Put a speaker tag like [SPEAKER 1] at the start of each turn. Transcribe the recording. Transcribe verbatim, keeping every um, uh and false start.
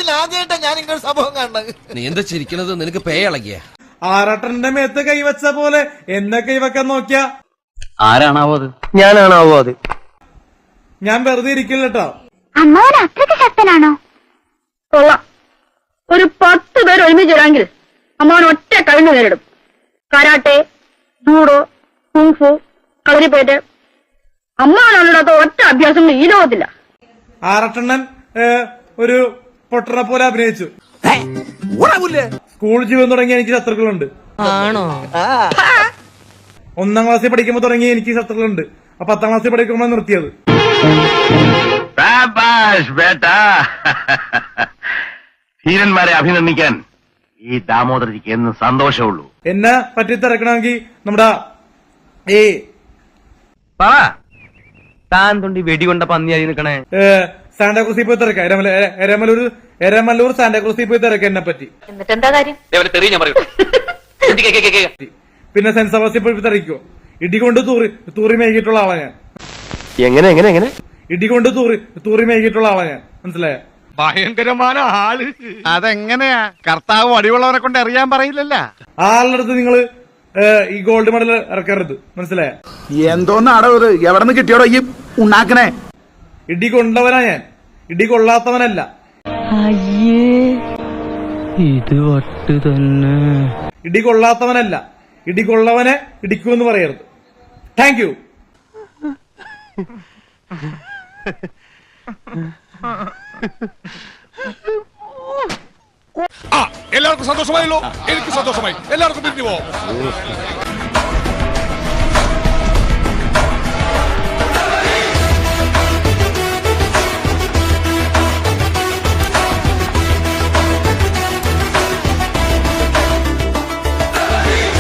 [SPEAKER 1] ആദ്യമായിട്ടാ ഞാൻ ഇങ്ങനെ സംഭവം കണ്ടത്.
[SPEAKER 2] നീ എന്താ ചിരിക്കണത്? നിനക്ക് പേ ഇളകിയ?
[SPEAKER 3] ആറാട്ടന്റെ മേത്ത് കൈവച്ച പോലെ എന്നെ കൈവക്കാൻ നോക്കിയ
[SPEAKER 4] ആരാണാവോ അത്? ഞാനാണാവോ അത്?
[SPEAKER 3] ഞാൻ വെറുതെ ഇരിക്കില്ല കേട്ടോ.
[SPEAKER 5] അമ്മാവൻ അത്രയ്ക്ക് ശക്തനാണോ? കൊള്ളാം. ഒരു പത്ത് പേര് ഒരുമിച്ച് വരാമെങ്കിൽ അമ്മാവൻ ഒറ്റ കഴിഞ്ഞു നേരിടും. കരാട്ടെ, ജൂഡോ, കുങ്ഫു, കളരിപ്പേറ്റ്, അമ്മാവനല്ലാത്ത ഒറ്റ അഭ്യാസം ഈ ലോകത്തില്ല.
[SPEAKER 3] ആറട്ടണ്ണൻ ഒരു പൊട്ടനെ പോലെ അഭിനയിച്ചു. സ്കൂൾ ജീവിതം തുടങ്ങി എനിക്ക് ശത്രുക്കളുണ്ട്.
[SPEAKER 6] ആണോ?
[SPEAKER 3] ഒന്നാം ക്ലാസ്സിൽ പഠിക്കുമ്പോ തുടങ്ങി എനിക്ക് ശത്രുക്കളുണ്ട്. അപ്പൊ പത്താം ക്ലാസ്സിൽ പഠിക്കുമ്പോ നിർത്തിയത്.
[SPEAKER 4] ധീരന്മാരെ അഭിനന്ദിക്കാൻ ഈ ദാമോദരജിക്ക് എന്ന് സന്തോഷമുള്ളൂ.
[SPEAKER 3] എന്നെ പറ്റി തിരക്കണമെങ്കിൽ നമ്മുടെ ഈ
[SPEAKER 4] താൻ തൊണ്ടി വെടികൊണ്ട പന്നിയായി നിൽക്കണേ
[SPEAKER 3] സാന്റാക്രൂസിൽ പോയി തിരക്കാം. എരമല്ലൂർ എരമല്ലൂർ സാന്റാക്രൂസിൽ പോയി തിരക്കാം എന്നെ പറ്റി.
[SPEAKER 5] എന്നിട്ട് എന്താ കാര്യം?
[SPEAKER 3] പിന്നെ സെന്റ് സെബാസ്റ്റ്യൻ പോയി തിരക്കോ? ഇടികൊണ്ട് തൂറി തൂറി മേകിയിട്ടുള്ള ആളാ ഞാൻ.
[SPEAKER 4] എങ്ങനെ എങ്ങനെ എങ്ങനെ
[SPEAKER 3] ഇടികൊണ്ട് തൂറി തൂറി മേകിയിട്ടുള്ള ആളാ ഞാൻ. മനസ്സിലായ?
[SPEAKER 7] ഭയങ്കരമായ ആള്. അതെങ്ങനെയാ? കർത്താവ് അടിവുള്ളവരെ കൊണ്ട് അറിയാൻ പറയില്ലല്ല.
[SPEAKER 3] ആളുടെ അടുത്ത് നിങ്ങള് ഈ ഗോൾഡ് മെഡൽ ഇറക്കരുത്. മനസ്സിലായ?
[SPEAKER 8] എന്തോന്നാടോ ഇത്? എവിടെ നിന്ന് കിട്ടിയോടോ ഈ ഉണ്ടാക്കണേ?
[SPEAKER 3] ഇടി കൊണ്ടവനാ ഞാൻ, ഇടി കൊള്ളാത്തവനല്ല.
[SPEAKER 6] ഇത് വട്ട് തന്നെ.
[SPEAKER 3] ഇടി കൊള്ളാത്തവനല്ല, ഇടി കൊള്ളവനെ ഇടിക്കൂ എന്ന് പറയരുത്. Thank you.
[SPEAKER 7] എല്ലാവർക്കും സന്തോഷമായല്ലോ. എനിക്ക് സന്തോഷമായി. എല്ലാവർക്കും പിരിഞ്ഞു പോവാം.